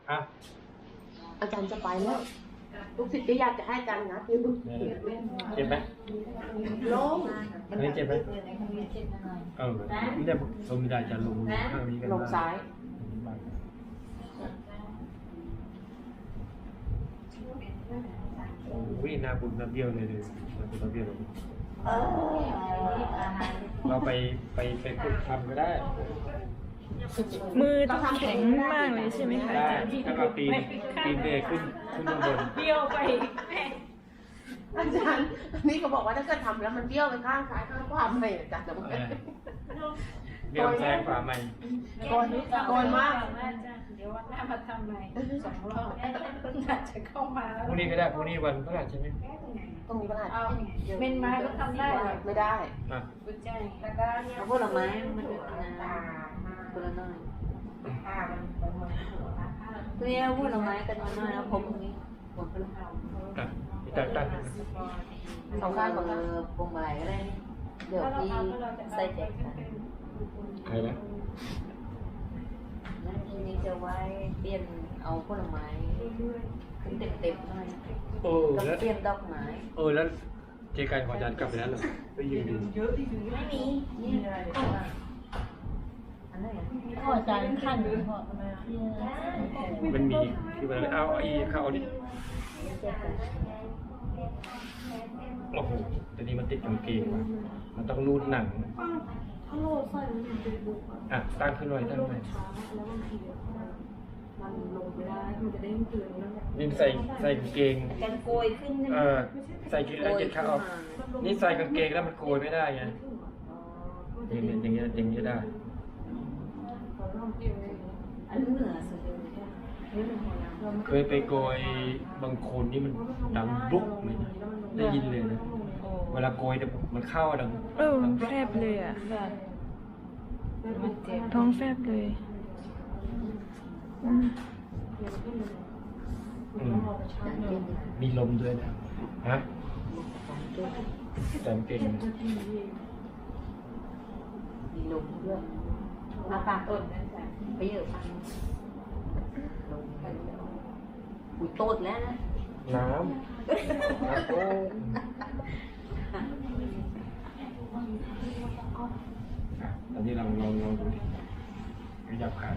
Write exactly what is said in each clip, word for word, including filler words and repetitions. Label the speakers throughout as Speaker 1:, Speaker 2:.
Speaker 1: อ่ะ
Speaker 2: อาจารย์จะไปแล้วลูกศิษย์ก็อยากจะให้อาจารย์งัดอยู่
Speaker 1: เจ็บไหม
Speaker 2: โล่ง
Speaker 1: อันนี้เจ็บไหมเออเนี่ยลงไม่ได้จะลงข้างนี้กัน
Speaker 2: ลงซ้าย
Speaker 1: โอ้ยหน้าบุญน้ำเบี้ยวเลยเลยหน้าบุญน้ำเบี้ยวเลยเราไปไปไปฝึกทำก็ได้
Speaker 3: มือต้องแข็งมากเลยใช่ไหมคะอา
Speaker 1: ได้
Speaker 3: จารย์
Speaker 1: แล้วก็ตีนตีนเบรขึ้นขึ้นข้างบน
Speaker 3: เบี้ยวไป
Speaker 2: อาจารย์นี่ก็บอกว่าถ้าเกิดทำแล้วมันเบี้ยวไปข้างซ้ายข้างขวาไม่อาจารย์จะบอก
Speaker 1: เออเบี้ยวแซงฝ่าใหม่
Speaker 2: โกนโกนมาก
Speaker 4: เดี๋ยววันหน้ามาทำใหม่สองรอบเพิ่งอาจจะเข้ามาแล้ว
Speaker 1: พรุ่งนี้ก็ได้พรุ่งนี้วันพฤหัสใช่ไหม
Speaker 2: ตรงนี้ประหลาด
Speaker 4: เอาเมนไม้ก็ทำได้เหรอ
Speaker 2: ไม่ได้
Speaker 1: อ่ะ
Speaker 4: กุญแจแล้วก็เนี่ย
Speaker 5: เอาผลไม้มันดูนะคนละหน่อยตัวนี้ผลไม้กันมาหน่อยแล้วผมตรงนี้ผมก็เลย
Speaker 1: อ่ะพี่ตักตัก
Speaker 5: สองข้างของเออพวงมาลัยก็ได้เดี๋ยวพี่ใส่แจกกัน
Speaker 1: ใครนะ
Speaker 5: แล้วทีนี้จะไว้เปลี่ยนเอาผลไม้ขึ้นเต็มๆหน่อย
Speaker 1: เออ
Speaker 5: ก็
Speaker 1: แล้ว
Speaker 5: เปลี่ยนดอกไม้
Speaker 1: เออแล้วเจกันของอาจารย์กลับไปแล้วเหรอไปยืนดู
Speaker 5: ไม่มีนี่อันไหนอ่ะ
Speaker 4: พ่ออาจารย์ขั้นพ่อทำไม
Speaker 1: มันมีคือมันเอาอีเข้าเอาดิ
Speaker 5: แจกกัน
Speaker 1: โอ้โหแต่นี้มันติดกางเกงว่ะมันต้องรูดหนัง
Speaker 4: ถ้าโลดใส่มันเป็นบุกอะ
Speaker 1: อ่ะตั้งขึ้นหน่อยตั้งหน่อย
Speaker 4: ช้าแล้วบางทีมันลงไม่ได้มันจะได้ไม่ตื่นแล้วเนี่ย
Speaker 1: นี่ใส่ใส่กางเกง
Speaker 5: กันโกยขึ้นใช่ไห
Speaker 1: เอ
Speaker 5: ม
Speaker 1: อใส่กินแล้วเจ็ดข้าวนี่ใส่กางเกงแล้วมันโกยไม่ได้ไงอย่างเงี้ยอย่างเงี้ยอย่างเงี้ยได้
Speaker 4: เราต้องเตรียมไว้
Speaker 5: อันนี้เหนือสุดเลย
Speaker 4: นี่เป็นหัวน้ำเรา
Speaker 1: เคยไปโกยบางคนนี่มันดังบุ๊กเลยนะได้ยินเลยนะเวลาโกยเนี่ยมันเข้าดัง
Speaker 3: เออแฟบเลยอ่ะ
Speaker 4: มันเจ็บ
Speaker 3: ท้องแฟบเลยอืม
Speaker 1: อืมมีลมด้วยนะฮะแต่กางเกง
Speaker 5: มีลมด้วย
Speaker 4: มาปากต้นนั่นแหละ
Speaker 5: ไปเยอะฟังลมกันอุ้ยโตดแล้วนะ
Speaker 1: น้ำน้ำโอ้อ่ะตอนนี้ลองลองลองดูดิขยับขา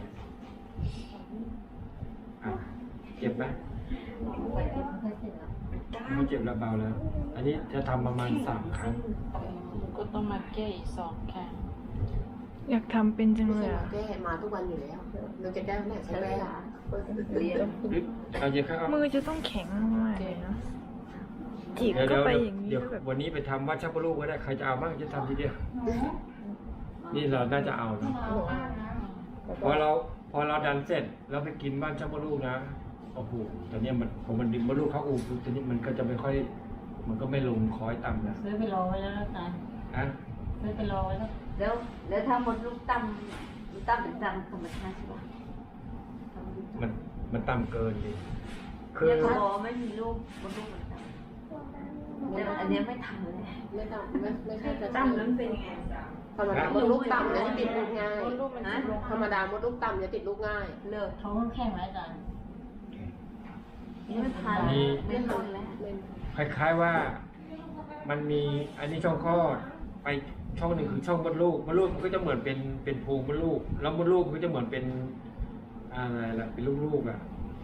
Speaker 1: อ่ะเจ็บไหม
Speaker 5: ไปเจ็บไม่เสร็จแล้ว
Speaker 1: ไม่เจ็บแล้วเบาแล้ว อันนี้จะทำประมาณสามครั้ง
Speaker 4: ก็ต้องมาแก้อีกสองครั้ง
Speaker 3: อยากทำเป็นจัง
Speaker 2: ไม่
Speaker 3: เล
Speaker 2: ใช่
Speaker 3: ยอ่ะ
Speaker 2: แก้มาทุกวันอยู่แล้วเราจะแก้ไหนใช้แก้
Speaker 5: เรียน
Speaker 1: เอาเยอะครับ
Speaker 3: มือจะต้องแข็งมากเลยเนาะจีบ
Speaker 1: เดี๋ยว
Speaker 3: ก็
Speaker 1: เดี๋ยว
Speaker 3: ไปอย่างนี้
Speaker 1: เดี๋ยว
Speaker 3: แบบ
Speaker 1: วันนี้ไปทำวัดชักพลูกก็ได้ ใครจะเอาบ้างจะทำทีเดียว นี่เราน่าจะเอานะพอเราพอเราดันเสร็จแล้วไปกินบ้านชักพลูกนะ โอ้โหตอนนี้มันพอมันดึงมดลูกเข้าอู่ตอนนี้มันก็จะไม่ค่อย มันก็ไม่ลงคอยต่ำนะ
Speaker 4: ซื้อไปรอไว้แล้วนะจ๊ะ
Speaker 1: อะ
Speaker 4: ซื้อไปรอไว้แล้ว
Speaker 5: แล้วแล้วถ้าหมดลูกตั้มลูกตั้มเป็นตั้มธรรมชาติใช่ปะ
Speaker 1: มันมันต่ำเกินดิคื
Speaker 5: เนี่ย
Speaker 1: อ
Speaker 5: เขาบอกไม่มีลูกหมดลูกเหมือนกันแต่อันเนี้ยไม่ทำเลย
Speaker 2: ไม่ต้องไม่ไม่ใช่จะ
Speaker 4: ตั้มนั้นเป็นยังไง
Speaker 2: ธรรมดามดลูกต่ำจะติดลูกง่าย
Speaker 4: ลูกมัน
Speaker 5: ฮะ
Speaker 2: ธรรมดามดลูกต่ำจะติดลูกง่าย
Speaker 5: เลิก
Speaker 4: ท้องแข็งไหมอาจารย์
Speaker 5: นี่ไม่ทันไม่ทันแล้ว
Speaker 1: คล้ายๆว่ามันมีอันนี้ช่องคลอดไปช่องหนึ่งคือช่องมดลูกมดลูกมันก็จะเหมือนเป็นเป็นโพรงมดลูก แล้วมดลูกมันก็จะเหมือนเป็นอะไรล่ะเป็นลูกๆอ่ะ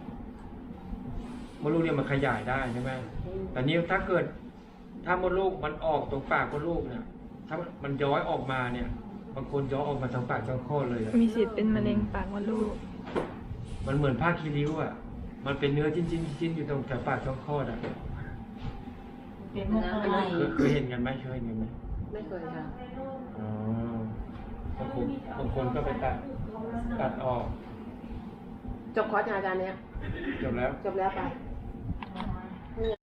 Speaker 1: มดลูกเนี่ยมันขยายได้ใช่ไหมแต่นี้ถ้าเกิด ถ้ามดลูกมันออกตรงปากมดลูกเนี่ย ถ้ามันย้อยออกมาเนี่ยบางคนย้อยออกมาทางปากช่องคลอดเลยอะ
Speaker 3: มีสิทธิ์เป็นมะเร็งปากมดลูก
Speaker 1: มันเหมือนผ้าคีริ้วอ่ะมันเป็นเนื้อจิ้นจิ้นจิ้นอยู่ตรงแถวปากช่องคลอดอ่ะ
Speaker 4: เป็นพวกอะไร
Speaker 1: เคยเคยเห็นกันไหมเคยเห็นกันไหม
Speaker 2: ไม่เคยค่ะ
Speaker 1: อ๋อบางคนบางคนก็ไปตัดตัดออก
Speaker 2: จบคอร์สงานอาจารย์เนี้ย
Speaker 1: จบแล้ว
Speaker 2: จบแล้วไป